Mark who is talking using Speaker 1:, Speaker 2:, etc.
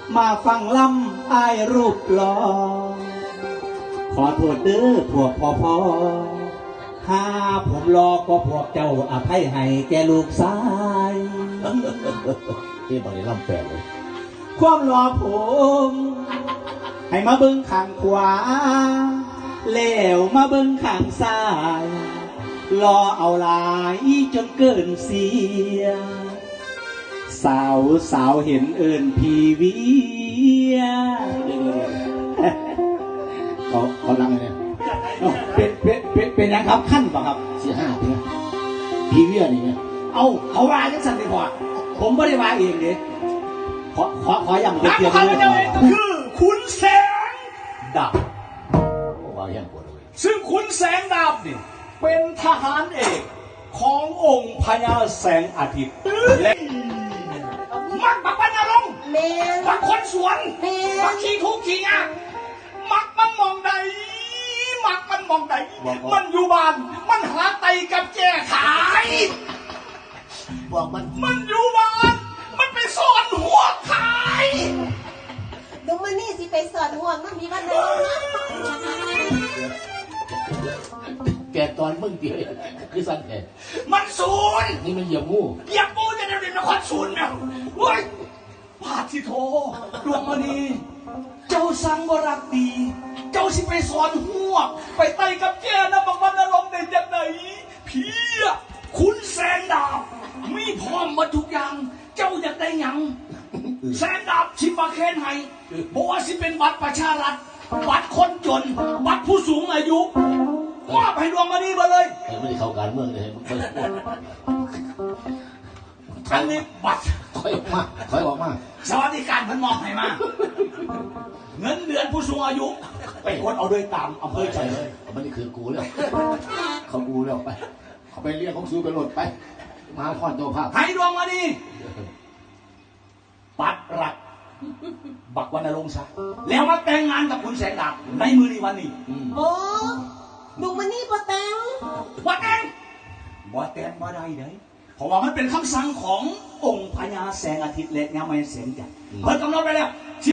Speaker 1: มาฟังลำอายรูปหล่อขอโทษเด้อพวกพ่อหาผมรอก็พวกเจ้าอภัยให้แกลูกชาย
Speaker 2: ที่บริลำแปลเลย
Speaker 1: ความรอผมให้มาเบิ้งข้างขวาแล้วมาเบิ้งข้างซ้ายรอเอาหลายจนเกินเสียสาวเห็นเอิญพีเวีย
Speaker 2: เขาลังเนี่ย
Speaker 1: เป็นยังครับขั้นป่ะครับ
Speaker 2: 45ปีพีเวียนี่ไง
Speaker 1: เขาว่าจังสันดีกว่าผมไม่ได้ว่าเองเด้ขออย่างเดียว
Speaker 3: เลยคือขุนแสงดาบ
Speaker 2: ว่าอย่างปวดเลย
Speaker 3: ซึ่งขุนแสงดาบนี่เป็นทหารเอกขององค์พญาแสงอาทิตย์และมักบักวันนรงค์มักคนสวนมักขี้ทุกข์ขี้ยากมักมันมองใดมันอยู่บ้านมันหาไตกับแก้ขาย
Speaker 2: บอก
Speaker 3: มันอยู่บ้านมันไปซ่อนหัวขาย
Speaker 4: ดูมันนี่สิไปสอนห่วงมันมีวันไหน
Speaker 2: แกตอนมึงเดียวคือสั้นแก
Speaker 3: มันศูนย์
Speaker 2: นี่มันเหยียบงู
Speaker 3: จะเดินนครศูนย์เนี่ยเฮ้ยพาทิโทดวงมณีเจ้าสังวรักดีเจ้าสิไปสอนหัวไปไต่กับแกนะบางวันนรกเด่นจากไหนพี่คุณแสนดาบมีพร้อมมาทุกอย่างเจ้าอยากได้ยังแสนดาบชิมาเคนให้บอกว่าสิเป็นบัตรประชารัฐบัตรคนจนบัตรผู้สูงอายุมอบให้ดวงมณีมาเลย
Speaker 2: ไม่ได้เข้าการเมืองเลย
Speaker 3: อันนี้บัตร
Speaker 2: ถอยออกมา
Speaker 3: สวัสดิการพันมอบให้มาเงินเดือนผู้สูงอายุไปคนเอาโดยตามอำเภอใจเลย
Speaker 2: มันนี่คือกูแล้วเขากูแล้วไปเขาไปเรียกของซูไปหลดไปมาคอนตัวภาพ
Speaker 3: ให้ดวงมณีปัดรักบักวันนรงค์ซะแล้วมาแต่งงานกับคุณแสงดาบในมือในวันนี้
Speaker 4: โอ้ดูมันนี่บ่แต่ง
Speaker 3: บ่แต่งบ่ได้เด้เพราะว่ามันเป็นคำสั่งขององค์พญาแสงอาทิตย์และยามแสงจันทร์เพิ่นกำหนดไปแล้ว